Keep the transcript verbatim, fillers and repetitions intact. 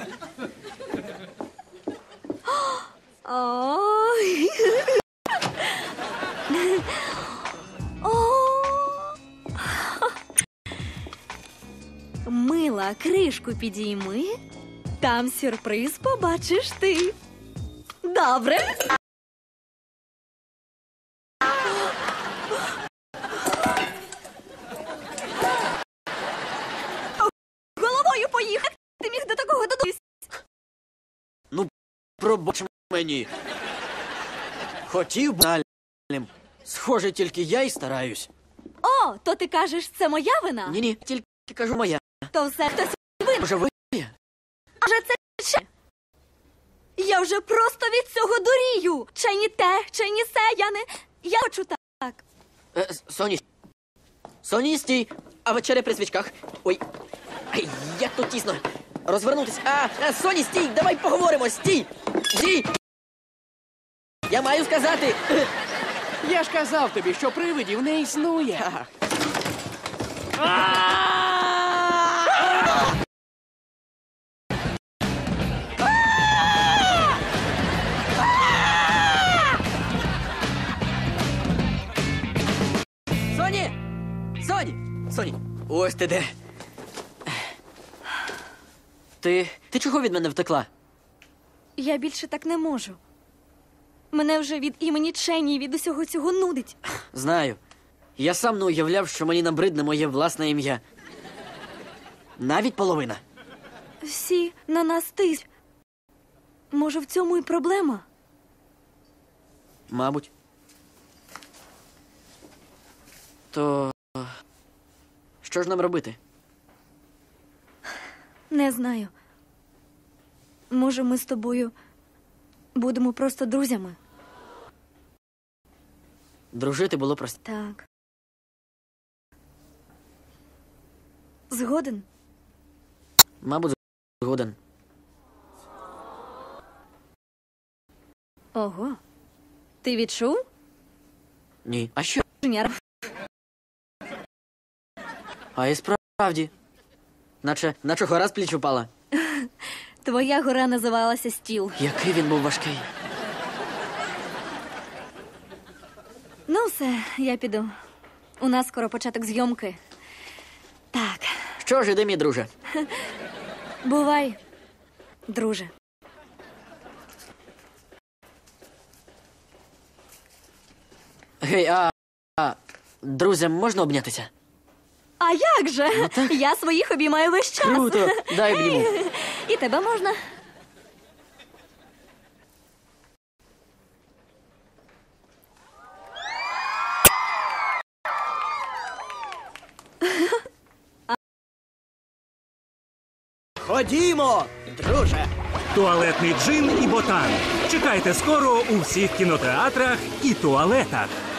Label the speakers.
Speaker 1: Ой. Мила, кришку підійми. Там сюрприз побачиш ти. Добре? Головою поїхати. Ти міг до такого додуматись.
Speaker 2: Ну, пробач мені. Хотів банальним. Схоже, тільки я й стараюсь.
Speaker 1: О, то ти кажеш, це моя вина?
Speaker 2: Ні-ні, тільки кажу моя.
Speaker 1: То все хтось винен.
Speaker 2: Може, ви?
Speaker 1: А вже це ще. Я вже просто від цього дурію. Чи ні те, чи ні се, я не... Я хочу так.
Speaker 2: Е, Соні. Соні, стій. А вечеря при свічках. Ой. Ай, як тут тісно. Розвернутись. А, а, Соні, стій, давай поговоримо. Стій. Стій. Я маю сказати.
Speaker 3: Я ж казав тобі, що привидів не існує.
Speaker 2: Соні! Соні! Соні! Ось ти де. Ти... Ти чого від мене втекла?
Speaker 1: Я більше так не можу. Мене вже від імені Чені, від усього цього нудить.
Speaker 2: Знаю. Я сам не уявляв, що мені набридне моє власне ім'я. Навіть половина.
Speaker 1: Всі на нас тись. Може, в цьому і проблема?
Speaker 2: Мабуть. То... Що ж нам робити?
Speaker 1: Не знаю. Може, ми з тобою будемо просто друзями?
Speaker 2: Дружити було просто.
Speaker 1: Так. Згоден?
Speaker 2: Мабуть, згоден.
Speaker 1: Ого. Ти відчув?
Speaker 2: Ні. А що?
Speaker 1: Женяр.
Speaker 2: А і справді. Наче, наче гора з пліч упала.
Speaker 1: Твоя гора називалася Стіл.
Speaker 2: Який він був важкий.
Speaker 1: Ну все, я піду. У нас скоро початок зйомки. Так.
Speaker 2: Що ж, іди, мій друже.
Speaker 1: Бувай, друже.
Speaker 2: Гей, а, а друзям можна обнятися?
Speaker 1: А як же?
Speaker 2: Ну, так.
Speaker 1: Я своїх обіймаю весь час.
Speaker 2: Круто, дай обніму.
Speaker 1: І тебе можна.
Speaker 2: Ходімо, друже.
Speaker 4: Туалетний джин і ботан. Чекайте скоро у всіх кінотеатрах і туалетах.